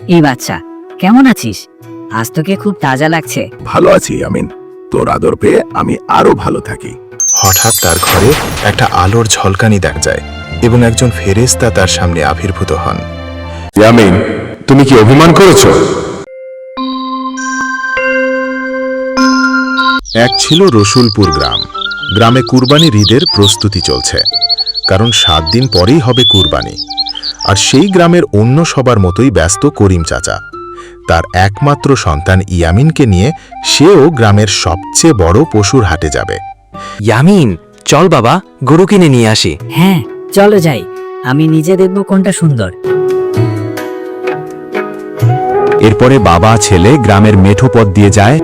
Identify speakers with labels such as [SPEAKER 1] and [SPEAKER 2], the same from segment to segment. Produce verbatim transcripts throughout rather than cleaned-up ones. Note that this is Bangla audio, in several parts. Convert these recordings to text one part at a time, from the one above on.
[SPEAKER 1] এই বাচ্চা, কেমন আছিস? আজ তোকে খুব তাজা লাগছে।
[SPEAKER 2] ভালো আছি আমিন, তোর আদর পেয়ে আমি আরো ভালো থাকি।
[SPEAKER 3] হঠাৎ তার ঘরে একটা আলোর ঝলকানি দেখা যায় এবং একজন ফেরেশতা তার সামনে আবির্ভূত হন।
[SPEAKER 2] ইয়ামিন, তুমি কি অভিমান করেছো?
[SPEAKER 3] এক ছিল রসুলপুর গ্রাম। গ্রামে কুরবানির ঈদের প্রস্তুতি চলছে, কারণ সাত দিন পরেই হবে কুরবানি। আর সেই গ্রামের অন্য সবার মতোই ব্যস্ত করিম চাচা। তার একমাত্র সন্তান ইয়ামিনকে নিয়ে সেও গ্রামের সবচেয়ে বড় পশুর হাটে যাবে।
[SPEAKER 4] ইয়ামিন, চল বাবা, গরু কিনে নিয়ে আসি।
[SPEAKER 1] হ্যাঁ, চলো যাই, আমি নিজে দেখব কোনটা সুন্দর।
[SPEAKER 5] এরপরে বাবা ছেলে গ্রামের মেঠো পথ দিয়ে যায়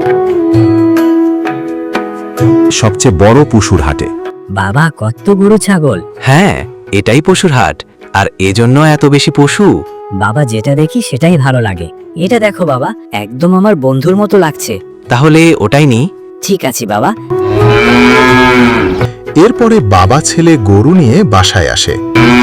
[SPEAKER 5] সবচেয়ে বড় পশুর হাটে।
[SPEAKER 1] বাবা, কত গরু ছাগল!
[SPEAKER 4] হ্যাঁ, এটাই পশুর হাট, আর এজন্য এত বেশি পশু।
[SPEAKER 1] বাবা, যেটা দেখি সেটাই ভালো লাগে। এটা দেখো বাবা, একদম আমার বন্ধুর মতো লাগছে।
[SPEAKER 4] তাহলে ওটাই নি।
[SPEAKER 1] ঠিক আছে বাবা।
[SPEAKER 3] এরপরে বাবা ছেলে গরু নিয়ে বাসায় আসে,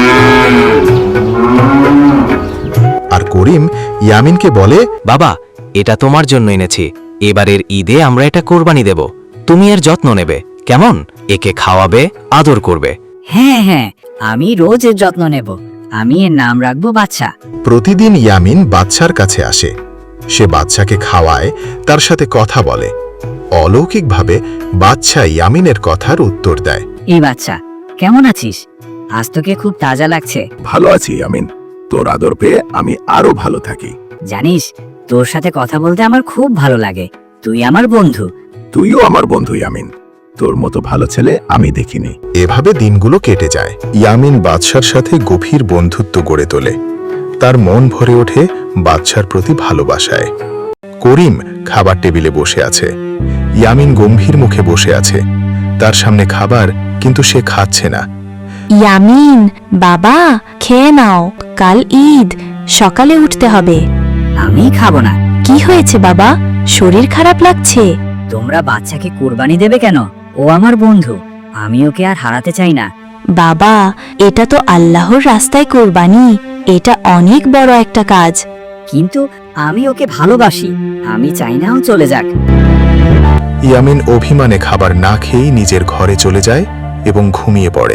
[SPEAKER 3] আর করিম ইয়ামিনকে বলে,
[SPEAKER 4] বাবা, এটা তোমার জন্য এনেছি। এবারের ঈদে আমরা এটা কোরবানি দেব। তুমি এর যত্ন নেবে, কেমন? একে খাওয়াবে, আদর করবে।
[SPEAKER 1] হ্যাঁ হ্যাঁ, আমি রোজ এর যত্ন নেব। আমি এর নাম রাখবো বাচ্চা।
[SPEAKER 3] প্রতিদিন ইয়ামিন বাচ্চার কাছে আসে। সে বাচ্চাকে খাওয়ায়, তার সাথে কথা বলে। অলৌকিকভাবে বাচ্চা ইয়ামিনের কথার উত্তর দেয়।
[SPEAKER 1] এই বাচ্চা, কেমন আছিস? আজ তোকে খুব তাজা লাগছে।
[SPEAKER 2] ভালো আছি আমিন, তোর আদর পেয়ে আমি আরো ভালো থাকি।
[SPEAKER 1] জানিস, তোর সাথে কথা বলতে আমার খুব ভালো লাগে। তুই আমার বন্ধু।
[SPEAKER 2] তুইও আমার বন্ধু ইয়ামিন, তোর মতো ভালো ছেলে আমি দেখিনি।
[SPEAKER 3] এভাবে দিনগুলো কেটে যায়। ইয়ামিন বাদশার সাথে গভীর বন্ধুত্ব গড়ে তোলে। তার মন ভরে ওঠে বাদশার প্রতি ভালোবাসায়। করিম খাবার টেবিলে বসে আছে। ইয়ামিন গম্ভীর মুখে বসে আছে। তার সামনে খাবার, কিন্তু সে খাচ্ছে না।
[SPEAKER 6] ইয়ামিন, বাবা, খেয়ে নাও, কাল ঈদ, সকালে উঠতে হবে।
[SPEAKER 1] আমি খাবো না।
[SPEAKER 6] কি হয়েছে বাবা, শরীর খারাপ লাগছে?
[SPEAKER 1] তোমরা বাচ্চাকে কুরবানি দেবে কেন? ও আমার বন্ধু, আমি ওকে আর হারাতে চাই না।
[SPEAKER 6] বাবা, এটা তো আল্লাহর রাস্তায় কোরবানি, এটা অনেক বড় একটা কাজ।
[SPEAKER 1] কিন্তু আমি ওকে ভালোবাসি, আমি চাই না ও চলে যাক।
[SPEAKER 3] ইয়ামিন অভিমানে খাবার না খেয়েই নিজের ঘরে চলে যায় এবং ঘুমিয়ে পড়ে।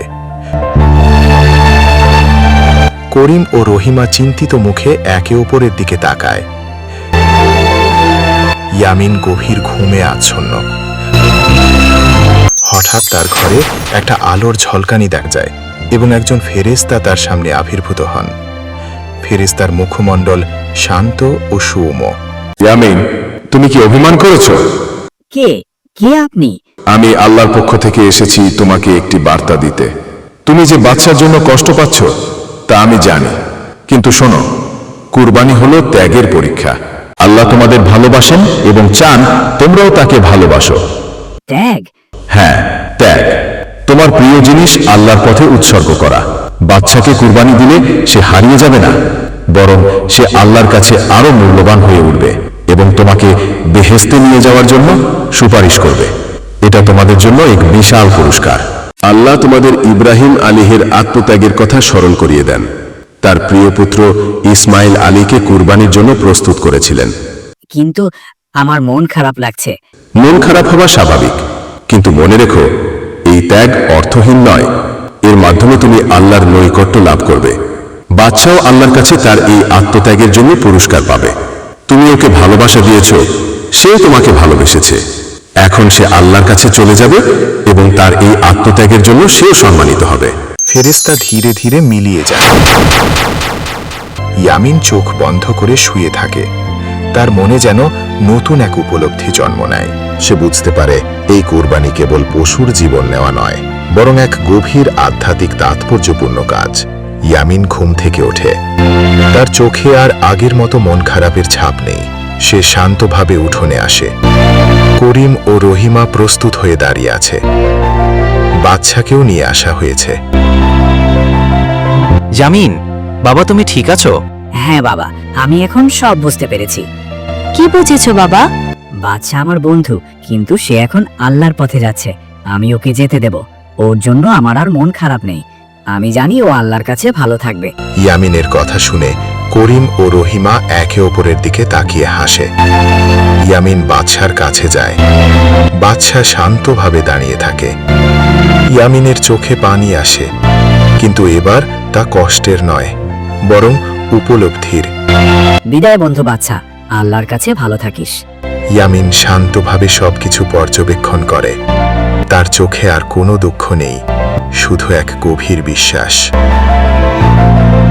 [SPEAKER 3] করিম ও রহিমা চিন্তিত মুখে একে অপরের দিকে তাকায়। ইয়ামিন গভীর ঘুমে আচ্ছন্ন। হঠাৎ তার ঘরে একটা আলোর ঝলকানি দেখা যায় এবং একজন ফেরেশতা তার সামনে আবির্ভূত হন। ফেরেশতার মুখমণ্ডল শান্ত ও সৌম্য।
[SPEAKER 2] ইয়ামিন, তুমি কি অভিমান করেছো?
[SPEAKER 1] কে কে আপনি?
[SPEAKER 2] আমি আল্লাহর পক্ষ থেকে এসেছি তোমাকে একটি বার্তা দিতে। তুমি যে বাচ্চার জন্য কষ্ট পাচ্ছ তা আমি জানি, কিন্তু শোনো, কুরবানি হলো ত্যাগের পরীক্ষা। আল্লাহ তোমাদের ভালোবাসেন এবং চান তোমরাও তাকে ভালোবাসো।
[SPEAKER 1] ত্যাগ?
[SPEAKER 2] হ্যাঁ, ত্যাগ। তোমার প্রিয় জিনিস আল্লাহর পথে উৎসর্গ করা। বাচ্চাকে কুরবানি দিলে সে হারিয়ে যাবে না, বরং সে আল্লাহর কাছে আরো মূল্যবান হয়ে উঠবে এবং তোমাকে বেহেশতে নিয়ে যাওয়ার জন্য সুপারিশ করবে। এটা তোমাদের জন্য এক বিশাল পুরস্কার। আল্লাহ তোমাদের ইব্রাহিম আলীহের আত্মত্যাগের কথা স্মরণ করিয়ে দেন। তার প্রিয় পুত্র ইসমাইল আলীকে কুরবানির জন্য প্রস্তুত করেছিলেন।
[SPEAKER 1] কিন্তু আমার মন খারাপ লাগছে।
[SPEAKER 2] মন খারাপ হওয়া স্বাভাবিক, কিন্তু মনে রেখো, এই ত্যাগ অর্থহীন নয়। এর মাধ্যমে তুমি আল্লাহর নৈকট্য লাভ করবে। বাদশাও আল্লাহর কাছে তার এই আত্মত্যাগের জন্য পুরস্কার পাবে। তুমি ওকে ভালোবাসা দিয়েছ, সেও তোমাকে ভালোবেসেছে। এখন সে আল্লাহর কাছে চলে যাবে এবং তার এই আত্মত্যাগের জন্য সেও সম্মানিত হবে।
[SPEAKER 3] ফেরেশতা ধীরে ধীরে মিলিয়ে যায়। ইয়ামিন চোখ বন্ধ করে শুয়ে থাকে। তার মনে যেন নতুন এক উপলব্ধি জন্ম নেয়। সে বুঝতে পারে এই কুরবানি কেবল পশুর জীবন নেওয়া নয়, বরং এক গভীর আধ্যাত্মিক তাৎপর্যপূর্ণ কাজ। ইয়ামিন ঘুম থেকে ওঠে। তার চোখে আর আগের মতো মন খারাপের ছাপ নেই। সে শান্তভাবে উঠোনে আসে। করিম ও রহিমা প্রস্তুত হয়ে দাঁড়িয়ে আছে। বাচ্চাকেও নিয়ে আসা হয়েছে।
[SPEAKER 4] ইয়ামিন, বাবা, তুমি ঠিক আছো?
[SPEAKER 1] হ্যাঁ বাবা, আমি এখন সব বুঝতে পেরেছি।
[SPEAKER 6] কি বুঝেছো বাবা?
[SPEAKER 1] বাচ্চা আমার বন্ধু, কিন্তু সে এখন আল্লাহর পথে যাচ্ছে। আমি ওকে যেতে দেব। ওর জন্য আমার আর মন খারাপ নেই। আমি জানি ও আল্লাহর কাছে ভালো থাকবে।
[SPEAKER 3] ইয়ামিনের কথা শুনে করিম ও রহিমা একে অপরের দিকে তাকিয়ে হাসে। ইয়ামিন বাদশার কাছে যায়। বাদশা শান্তভাবে দাঁড়িয়ে থাকে। ইয়ামিনের চোখে পানি আসে, কিন্তু এবার তা কষ্টের নয়, বরং উপলব্ধির।
[SPEAKER 1] বিদায় বন্ধু বাচ্চা, আল্লাহর কাছে ভালো থাকিস।
[SPEAKER 3] ইয়ামিন শান্তভাবে সবকিছু পর্যবেক্ষণ করে। তার চোখে আর কোনো দুঃখ নেই, শুধু এক গভীর বিশ্বাস।